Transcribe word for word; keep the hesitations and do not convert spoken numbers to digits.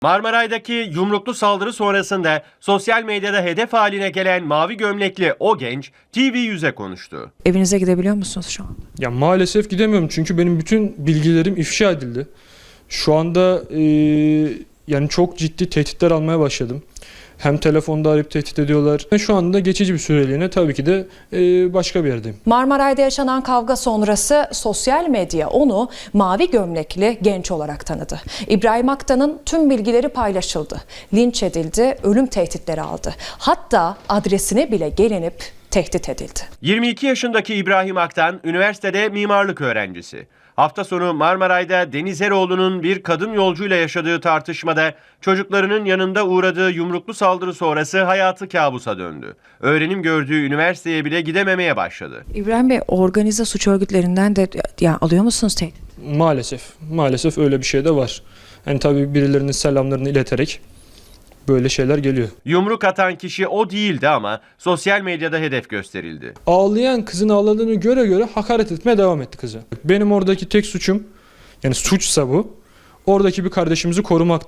Marmaray'daki yumruklu saldırı sonrasında sosyal medyada hedef haline gelen mavi gömlekli o genç T V yüze konuştu. Evinize gidebiliyor musunuz şu an? Ya maalesef gidemiyorum çünkü benim bütün bilgilerim ifşa edildi. Şu anda e, yani çok ciddi tehditler almaya başladım. Hem telefonda arayıp tehdit ediyorlar. Şu anda geçici bir süreliğine tabii ki de e, başka bir yerdeyim. Marmaray'da yaşanan kavga sonrası sosyal medya onu mavi gömlekli genç olarak tanıdı. İbrahim Aktan'ın tüm bilgileri paylaşıldı. Linç edildi, ölüm tehditleri aldı. Hatta adresine bile gelinip tehdit edildi. yirmi iki yaşındaki İbrahim Aktan üniversitede mimarlık öğrencisi. Hafta sonu Marmaray'da Deniz Eroğlu'nun bir kadın yolcuyla yaşadığı tartışmada çocuklarının yanında uğradığı yumruklu saldırı sonrası hayatı kabusa döndü. Öğrenim gördüğü üniversiteye bile gidememeye başladı. İbrahim Bey, organize suç örgütlerinden de ya alıyor musunuz tehdit? Maalesef, maalesef öyle bir şey de var. Yani tabii birilerinin selamlarını ileterek böyle şeyler geliyor. Yumruk atan kişi o değildi ama sosyal medyada hedef gösterildi. Ağlayan kızın ağladığını göre göre hakaret etmeye devam etti kızı. Benim oradaki tek suçum, yani suçsa bu, oradaki bir kardeşimizi korumak.